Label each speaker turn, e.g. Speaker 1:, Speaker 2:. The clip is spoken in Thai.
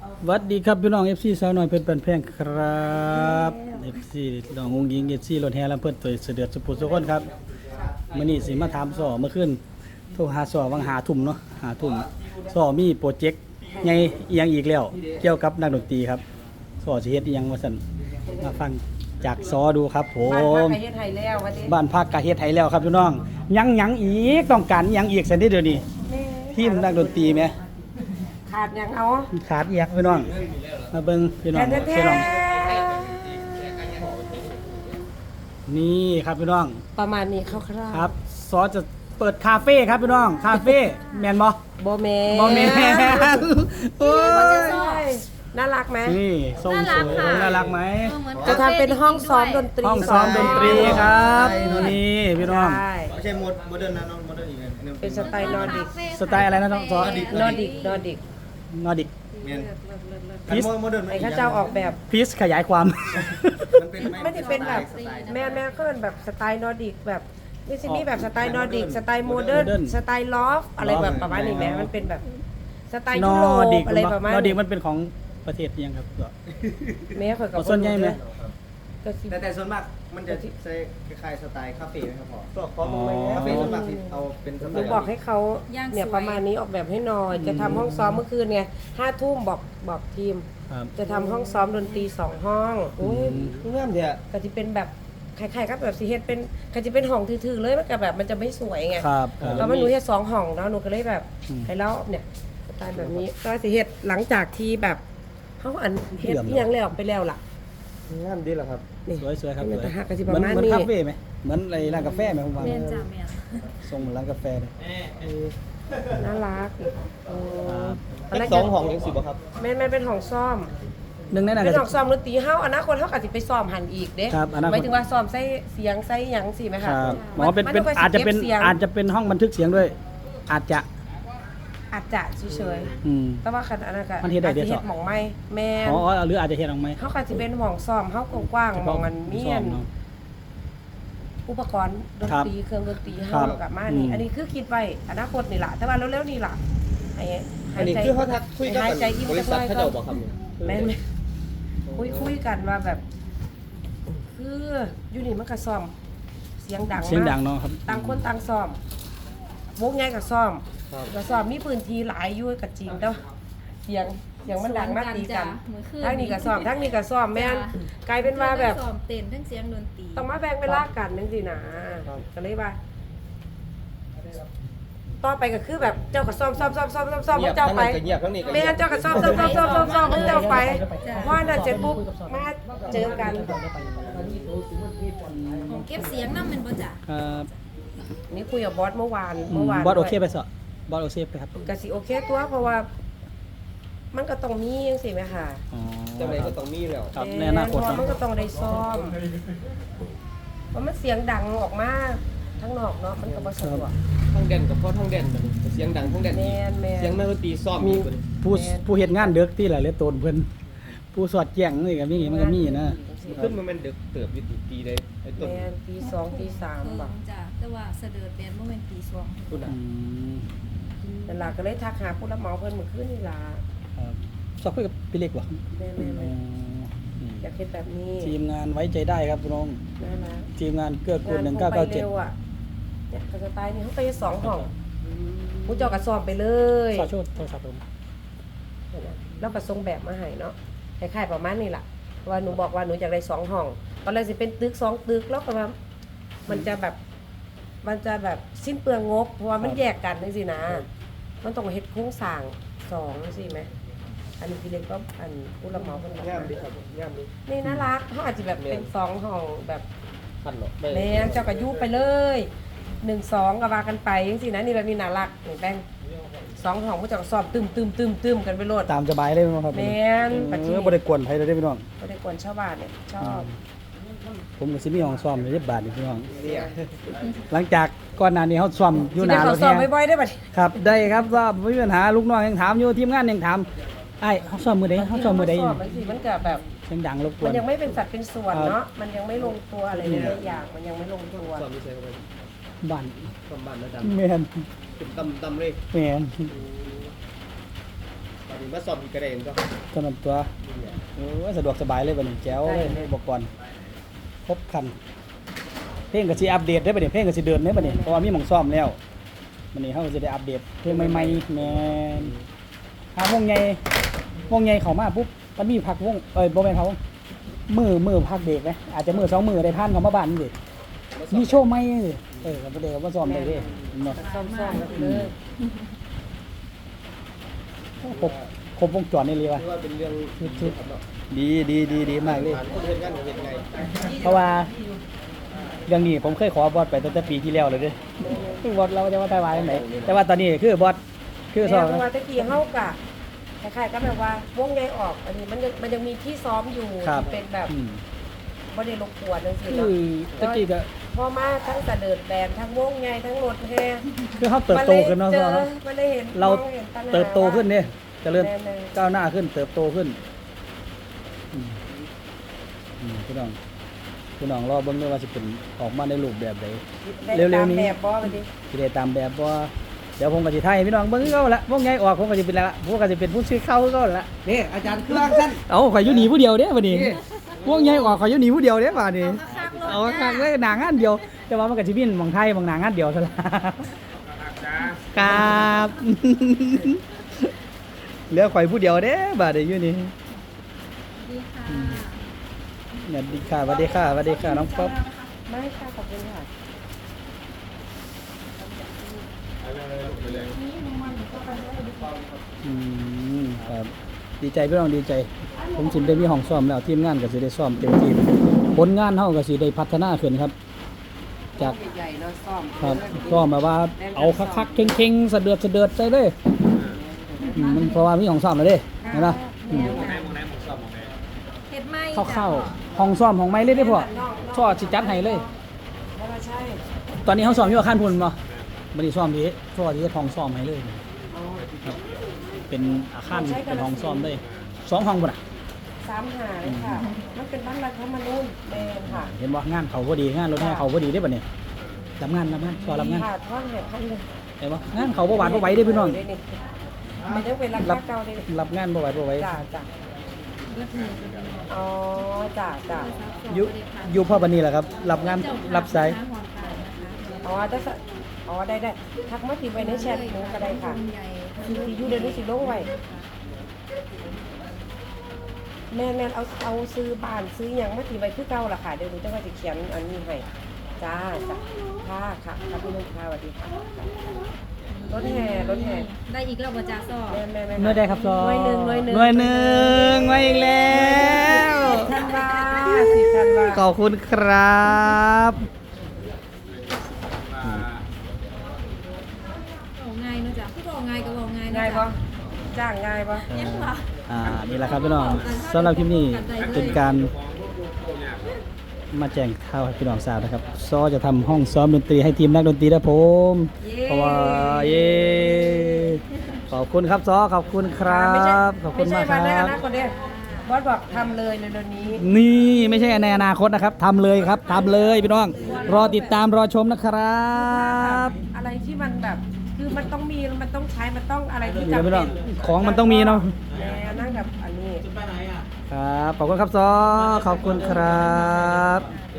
Speaker 1: สวัสดีครับพี่น้อง FC สาวน้อยเพชรปันแพงครับ FC น้องงงยิง FC รถแห่ลำเพิ่นตัวเสด็จสุภูสุคนครับมื้อนี้สิมาถามสอเมื่อคืนโทรหาสอวังหาทุ่มเนาะหาทุ่มสอมีโปรเจกต์ใหญ่อีหยังอีกแล้วเกี่ยวกับนักดนตรีครับสอสิเฮ็ดอีหยังว่าซั่นมาฟังจากสอดูครับผ
Speaker 2: บ้านพัก
Speaker 1: ม
Speaker 2: ไอเฮ็ดไทยแล้ววันนี้
Speaker 1: บ้านพักกะเฮ็ดให้แล้วครับพี่น้องยังอีกต้องการอิหยังอีกซั่นเด้อเดี๋ยวนี้ทีมนักดนตรีแหม
Speaker 2: ขาดยังเอา
Speaker 1: ขาดอีหยังพี่น้องมาเบิ่งพี่น้อง
Speaker 2: แท้
Speaker 1: พี่น้องนี่ครับพี่น้อง
Speaker 2: ๆประมาณนี้คร่าวๆ
Speaker 1: ครับซอจะเปิดคาเฟ่ครับพี่น้องคาเฟ่แมนบ่
Speaker 2: โบแมน
Speaker 1: บ่แมนโอ้ย
Speaker 2: น่ารักไหม
Speaker 1: นี่ทรงสวยน่ารักไหม
Speaker 2: จะทำเป็นห้องซ้อมดนตรี
Speaker 1: ห้องซ้อมดนตรีครับนี่พี่น้อง
Speaker 2: ใช่
Speaker 3: ไม่ใช่โมเดิร์นนะน้องโมเดิร์นอีกอัน
Speaker 2: เป็นสไตล์นอร์ดิก
Speaker 1: สไตล์อะไรนะน้องซอน
Speaker 2: อร์ดิก
Speaker 1: นอร์ดิก
Speaker 3: เมียน
Speaker 1: พีซ
Speaker 3: โมเดิร์น
Speaker 2: ไอ้ข้าเจ้าออกแบบ
Speaker 1: พีซขยายความ
Speaker 3: มันเป็น
Speaker 2: ไม่ได้เป็นแบบแม่ก็เป็นแบบสไตล์นอร์ดิกแบบนี่สิมีแบบสไตล์นอร์ดิกสไตล์โมเดิร์น
Speaker 1: Modern
Speaker 2: สไตล์ลอฟอะไรแบบประมาณนี้แม่มันเป็นแบบสไตล์
Speaker 1: น
Speaker 2: ยุ
Speaker 1: อ
Speaker 2: โรป
Speaker 1: ร์ดิก
Speaker 2: อะไรประมาณ
Speaker 1: นอร์ดิก
Speaker 2: นี้
Speaker 1: มันเป็นของประเทศยังครับ
Speaker 2: แม่เคยกับ
Speaker 1: เอาส่วนใหญ่ไหม
Speaker 2: ก็สิ
Speaker 3: แต่ส่วนมากมันจะใช้คล้ายๆสไตล์คาเฟ่นะครับพ่อ
Speaker 2: ขอมึงไหม
Speaker 3: คาเฟ่ส่วนมากที่เอาเป็นส
Speaker 2: ห
Speaker 3: ไต
Speaker 2: นู
Speaker 3: ล์
Speaker 2: บอกให้เขาเนี่ยประมาณนี้ออกแบบให้หน่อย จะทำห้องซ้อมเมื่อคืนไง5 ทุ่มบอกทีม
Speaker 1: ครับ
Speaker 2: จะทำห้องซ้อมดนตรี2 ห้องโอ้ย
Speaker 3: เงื่อนเดีย
Speaker 2: ก็จะเป็นแบบคล้ายๆกับแบบสีเฮ็ดเป็นก็จะเป็นห้องถือๆเลยมันก็แบบมันจะไม่สวยไง
Speaker 1: ครับครับ
Speaker 2: แล้วมันหนูเฮ็ด2 ห้องแล้วหนูก็เลยแบบ
Speaker 1: อืม
Speaker 2: ให้เล่าเนี่ยสไตล์แบบนี้ก็สีเฮ็ดหลังจากที่แบบเขาอันเฮ็ดที่ยังแล้วไปแล้วล่ะ
Speaker 3: งามดีเหรอครับ
Speaker 2: นี่
Speaker 1: สวยครับ
Speaker 2: มัน
Speaker 1: สวย
Speaker 2: จะหักกันสิ
Speaker 1: เห
Speaker 2: ป
Speaker 1: มือน
Speaker 2: ระมาณ
Speaker 1: เหมือน
Speaker 2: นี้
Speaker 1: คาเฟ่ไหมเหมือนอะไรร้านกาแฟไหมผมว่า
Speaker 4: เรียนจ่าเมียน
Speaker 1: ทรงเหมือนร้านกาแฟเลย
Speaker 2: น่ารักโอ้
Speaker 3: เป็นสองห้องยังสิบ่ครับ
Speaker 2: แม่เป็นห้องซ่อม
Speaker 1: หนึ่งในนั้น
Speaker 2: เป็น
Speaker 1: ก็
Speaker 2: ห้องซ้อมดนตรีเฮาอนาคตเฮาก็สิไปซ้อมหันอีกเด้
Speaker 1: ครับอนาคต
Speaker 2: หมายถึงว่าซ้อมใส่เสียงใส่หยังสิไหม
Speaker 1: ค
Speaker 2: คะ
Speaker 1: รับหมอเป็น
Speaker 2: มั
Speaker 1: เป็น
Speaker 2: ก็สิ
Speaker 1: อาจจะเป็น
Speaker 2: ก็บสียง
Speaker 1: อาจจะเป็นห้องบันทึกเสียงด้วย อาจจะ
Speaker 2: อาจจะเฉย
Speaker 1: อืม
Speaker 2: ๆแต่ว่าคันอันนั้นก็
Speaker 1: มันเฮ็ดได้เด้อ
Speaker 2: อาจจะเฮ็ดหม่องใหม่แม่น
Speaker 1: อ๋อหรืออาจจะเห็นออกไหม
Speaker 2: เฮาก็สิเป็นหม่องซ้อมเฮากว้างๆหม่องมันมี
Speaker 1: ซ่
Speaker 2: อั
Speaker 1: อน เนาะ
Speaker 2: อุปกรณ์ดนตรีเครื่องดนตรี
Speaker 1: ครั
Speaker 2: เฮา
Speaker 1: บ
Speaker 2: กับมานี่
Speaker 1: อืม
Speaker 2: อันนี้คือคิดไว้อนาคตนี่ล่ะแต่ว่าเร็วๆนี่ล่ะไอ้
Speaker 3: อันนี้คือเขาทักคุยกับ
Speaker 2: หายใจอิ่ม
Speaker 3: บริ
Speaker 2: จักห
Speaker 3: ษัท
Speaker 2: น่อย
Speaker 3: เขา
Speaker 2: ก็
Speaker 3: เจ้าบอกครับ
Speaker 2: แม่นคุยกันว่าแบบ คืออยู่นี่มันก็ซ้อมเสียงดัง
Speaker 1: เสียง
Speaker 2: มาก
Speaker 1: ดังเนาะครับ
Speaker 2: ต่างคนต่างซ้อมวงใหญ่กับซ้อมก็ซ้อมมีพื้นที่หลายอยู่กับจริงแต่ว่าเสียงมันดังมากตีกันทั้งนี้ก็ซ้อมทั้งนี้ก็ซ้อมแม่นกลายเป็นว่าแบบ
Speaker 4: ซ้อมเต้นทั้งเสียงดนตรี
Speaker 2: ต้องมาแบ่งเวลากันนึงสินะก็เลยว่าต่อไปก็คือแบบเจ้าก็ซ้อมเจ้าไป
Speaker 3: เงียบทั้งนี้ก็
Speaker 2: แม่
Speaker 3: เงียบ
Speaker 2: เจ้าก็ซ้อมเจ้าไปเพราะนั่นเสร็จปุ๊บมาเจอกัน
Speaker 4: ของเก็บเสียงนำแม่นบ่จ้ะ
Speaker 1: ครับ
Speaker 2: นี่คุยกับบอสเมื่อวาน
Speaker 1: บอสโอเคไปสบอสโอเคไปครับ
Speaker 2: ก็สิโอเคตัวเพราะว่า มันก็ต้องมีจังซี่แม่ค่ะ
Speaker 1: อ๋อ
Speaker 3: จังไรก็ต้องมีแล้ว
Speaker 1: ครับในอนาคต
Speaker 2: เพราะ
Speaker 1: เนาะ
Speaker 2: มันก็ต้องได้ซ้อมเพราะมันเสียงดังออกมาทั้งนอกเนาะมันก็บ่สะดวก
Speaker 3: ทั้งแดนกับพ่อทั้งแดนเสียงดังทั้งแดนอีก
Speaker 2: แม่น
Speaker 3: เสียงนักดนตรีซ้อม
Speaker 1: มี
Speaker 3: อีกคน
Speaker 1: ผู้เฮ็ดงานเด็กที่หลายเหลือตนเพิ่นผู้สอดแจ้งนี่ก็มีมันก็มีนะ
Speaker 3: ขึ้นมาเป็นเด็กเติบอยู่ตีเลยไอ้ต้น
Speaker 2: แม่นตี2ตี3บ่
Speaker 4: จ้ะแต่ว่าเสด็จแม่นบ่แม่นตีสอง
Speaker 3: คุณ
Speaker 1: อื
Speaker 3: อ่ะ
Speaker 1: ม
Speaker 2: นั่นล่ะก็เลยทักหาผู้รับเหมาเพิ่นเมื่อคืนนี่ล่ะ
Speaker 1: ครับสอบคุยกับพี่เล็กวะ
Speaker 2: แม่ๆอยากเฮ็ดแบบนี้
Speaker 1: ทีมงานไว้ใจได้ครับพี่น้อง
Speaker 2: นั่นล่ะ
Speaker 1: ทีมงานเกื้อกูล
Speaker 2: งานคงไปเร็ว
Speaker 1: 1997
Speaker 2: อ่ะเนี่ยก็สไตล์นี้เขาไป2 ห้องผู้เจ้าก็ซ้อมไปเลย
Speaker 1: ขอโทษโทรศัพท์ผม
Speaker 2: แล้วก็ส่งแบบมาให้เนาะคล้ายๆประมาณนี้ล่ะว่าหนูบอกว่าหนูอยากได้2 ห้องตอนแรกสิเป็นตึก2 ตึกแล้วก็ว่ามันจะแบบสิ้นเปลืองงบเพราะว่ามันแยกกันจังซี่นะมันต้องเฮ็ดโครงสร้าง2จังซี่ไหมอันนี้พี่เล็กก็อันผู้รับเหมาเพิ่นบอก
Speaker 3: งามดีครับงามดี
Speaker 2: นี่น่ารักเขาอาจจะแบบเป็น2 ห้องแบบ
Speaker 3: พันหรอก
Speaker 2: แม่เจ้าก็ยุไปเลย1-2ก็ว่ากันไปจังซี่นะนี่แบบนี้น่ารักนี่แป้ง2 ห้องผู้เจ้าก็ซ้อมตึมกันไปโลด
Speaker 1: ตามสบายเลยมั้งครับ
Speaker 2: แม่นปัจจุบัน
Speaker 1: บ่ได้กวนไผเลยเด้อพี่น้อง
Speaker 2: บ่ได้กวนชาวบ้านเนี่ยชอบ
Speaker 1: ผมก็สิมีห้องซ้อมอยู่ที่บ้านนี่พี่น้อง
Speaker 3: เนี่ย
Speaker 1: หลังจากก่อนหน้านี้เฮาซ้อมอยู่หน้ารถ
Speaker 2: ซ้อ
Speaker 1: แฮ
Speaker 2: มบ่อยๆได้บัดนี้
Speaker 1: ครับได้ครับว่าไม่มีปัญหาลูกน้องยังถามอยู่ทีมงานยังถามไอ้เฮาซ้อมมื้อใดเฮาซ้อมมื้อใด
Speaker 2: ซ้อมบางทีมันก็แบบ
Speaker 1: เสียงดังรบกว
Speaker 2: มัน นยังไม่เป็นสัดเป็นส่วนเนาะมันยังไม่ลงตัวอะไรหลายๆอย่างมันยังไม่ลงตัว
Speaker 3: ซ้อมไม่ใช่เข้าไป
Speaker 1: บ้าน
Speaker 3: ซ้อมบ้านแล้วด
Speaker 1: แม่น
Speaker 3: ำเป็นตำเลย
Speaker 1: แม่น
Speaker 3: ตอันนี้มาสอบอีกกระเด็นก็
Speaker 1: เท่านั้นตัวโอ้ยสะดวกสบายเลยบัดนี้แจ๋วเลยอุปกรณ์ครบครันเพลงก็สิอัปเดตได้บัดนี้เพลงก็สิเดินได้บัดนี้เพราะว่ามีหม่องซ่อมแล้วบัดนี้เฮาก็สิได้อัปเดตเพลงใหม่ๆแม่นหาวงใหญ่เข้ามาปุ๊บมันมีพักวงบ่แม่นเขามือพักเบรกไหมอาจจะมือ2มือได้ผ่านเข้ามาบ้านนี่ดิมีโชว์ใหม่ดิก็บ่ได้ว่าซ่อมได้เด้เนาะ
Speaker 2: ซ่อมกันเลย
Speaker 1: ครบวงจรนี่เลยว่ะ
Speaker 3: ที่ว่าเป็นเรื่อง
Speaker 1: ชุดดีมากเลย
Speaker 3: การเห็นงานเห็นไง
Speaker 1: เพราะว่าเรื่องนี้ผมเคยขอบอสไปตั้งแต่ปีที่แล้วเลยเด้บอสเราจะว่าไต้หวันไหนแต่ว่าตอนนี้คือบอสคือส
Speaker 2: แม่
Speaker 1: อบ
Speaker 2: เพราะว่าตะกี้เฮากะคล้ายๆก็แบบว่าวงใหญ่ออกอันนี้มันยังมีที่ซ้อมอยู่
Speaker 1: ครับ
Speaker 2: ที่เป็นแบบ
Speaker 1: อืม
Speaker 2: บ่ได้รบกวนจังซี่
Speaker 1: คื
Speaker 2: เนาะ
Speaker 1: อตะกี้ก็
Speaker 2: พอมาทั้งเสดิร์ดแบนทั้งวงใหญ่ทั้งรถแห่
Speaker 1: คือเขาเติบโตขึ้นเนาะ
Speaker 2: มั
Speaker 1: เนาะ
Speaker 2: มันเลยเห็น
Speaker 1: เรา
Speaker 2: มองห็นปัญหา
Speaker 1: เติบโตขึ้นเนี่ยเจริญ
Speaker 2: แม่ๆ
Speaker 1: ก้าวหน้าขึ้นเติบโตขึ้นพี่น้องรอเบิ่งด้วยว่าสิเป็นออกมาในรูปแบบใด เร็วๆนี้
Speaker 2: ตามแบบบ่ไปดิ
Speaker 1: สิได้ตามแบบบ่เดี๋ยวผมก็สิถ่ายให้พี่น้องเบิ่งคือเก่าละพวกใหญ่ออกผมก็สิเป็นละพวกก็สิเป็นผู้ชื่อเข้าคือเก่าละ
Speaker 3: นี่อาจารย์เครื่องสั้น
Speaker 1: เอาข่อยอยู่หนีผู้เดียวเด้บัดนี้พวกใหญ่ออกข่อยอยู่หนีผู้เดียวเด้บัดนี้ เอาคักเลยหนังอันเดียว แต่ว่ามันก็สิมีหม่องไทยหม่องหนังอันเดียวซะละครับ เหลือข่อยผู้เดียวเด้บัดนี้อยู่นี่
Speaker 4: ดีค่ะ
Speaker 1: สวัสดีค่ะสวัสดีค่ะสวัสดีค่ะน้องป๊อป
Speaker 2: ไม่ค่ะขอบคุณค่ะ
Speaker 1: ครับดีใจพี่น้องดีใจ ผมสิได้มีห้องซ้อมแล้วทีมงานก็สิได้ซ้อมเต็มที่ผลงานเฮาก็สิได้พัฒนาขึ้นครับ จาก
Speaker 2: ใหญ่ๆเนาะซ่อม
Speaker 1: ครับซ้อมแบบว่าเอาคักๆเข่งๆสะเดือดใจเลยมันเพราะว่ามีห้องซ้อมแล้วเด้เห็นป่ะ
Speaker 4: เฮ็ดไหม
Speaker 1: เข้าๆห้องซ้อมห้องไม้เลยได้อพ่อช่อสิจัดให้เลย
Speaker 2: แล้วก็ใช่
Speaker 1: ตอนนี้เขาซ้อมอยู่อาคารพุ่นบ่บัดนี้ซ้อมที่ช่อที่ห้องซ้อมให้เลย
Speaker 2: เอา
Speaker 1: เป็นอาคารเป็นห้องซ้อมเลย2ห้องพุ่นน่ะ
Speaker 2: 3 หาเลยค่ะ มันเป็นบ้านรัฐธรรมนูญแม่นค่ะ
Speaker 1: เห็นว่างานเขาพอดีงานรถแห่เขาพอดีได้ป่ะเนี่ยรับงานก็รับงาน
Speaker 2: ค่ะท่อนแห่ท่อนเลย
Speaker 1: เห็นว่งานเขาบ่หวานบ่ไหวได้อพี่น้อง
Speaker 2: มันยังเป็นรักเก่าได้
Speaker 1: รับงานบ่ไหวบ่ไหว
Speaker 2: จ้าจ้า
Speaker 4: เลือดหนึ่ง
Speaker 2: อ๋อจ้าจ้า
Speaker 1: อยู่พ่อบันนี้แหละครับ รับงานรับสาย
Speaker 2: อ๋อได้สะอ๋อได้ทักมาติไว้ในแชทหนูก็ได้ค่ะที่อยู่เดี๋ยวนี้สิลงไว้แม่เอาซื้อบ้านซื้อหยังมาติไว้คือเก่าล่ะค่ะเดี๋ยวหนูจะว่าจะเขียนอันนี้ให้จ้าจ้าค่ะพี่นุ่นค่ะสวัสดีค่ะรถแห่
Speaker 4: ได้อีกแล้วบ่จ้าซอ
Speaker 2: แม่
Speaker 1: เมื่อใดครับซอ
Speaker 2: หน่วยหนึ่ง
Speaker 1: หน่วยหนึ่งมาอีกแล้ว
Speaker 2: 10 ธันวา10 ธันวา
Speaker 1: ขอบคุณครับ
Speaker 4: เอาง่ายเนาะจ้ะคือบอกง่ายก็บอกง่ายนะ
Speaker 2: ง่าย
Speaker 4: จ๊ะ
Speaker 2: ปะจ้างง่ายปะ
Speaker 4: ยังวะ
Speaker 1: นี่แหละครับพี่น้องสำหรับคลิปนี้เป็นการมาแจ้งข่าวให้พี่น้องทราบนะครับซอจะทำห้องซ้อมดนตรีให้ทีมนักดนตรีนะผมเพราะว่าเย้ขอบคุณครับซอขอบคุณครับขอบคุณมากค
Speaker 2: ไม่ใช่
Speaker 1: รั
Speaker 2: วันในอบ นาคตเด้บอสบอกทำเลยเร็วๆนี้
Speaker 1: นี่ไม่ใช่ในอนาคตนะครับทำเลยครับทำเลยพี่น้องรอติดตามรอชมนะครับ
Speaker 2: อะไรที่มันแบบคือมันต้องมีมันต้องใช้มันต้องอะไรที่
Speaker 1: นี่
Speaker 2: จำ
Speaker 1: นะพี่
Speaker 2: เป็
Speaker 1: น้อน งของมันต้องมีเนาะ
Speaker 2: แม่นั่งแบบอันนี้
Speaker 1: ครับขอบคุณครับซอขอบคุณครับ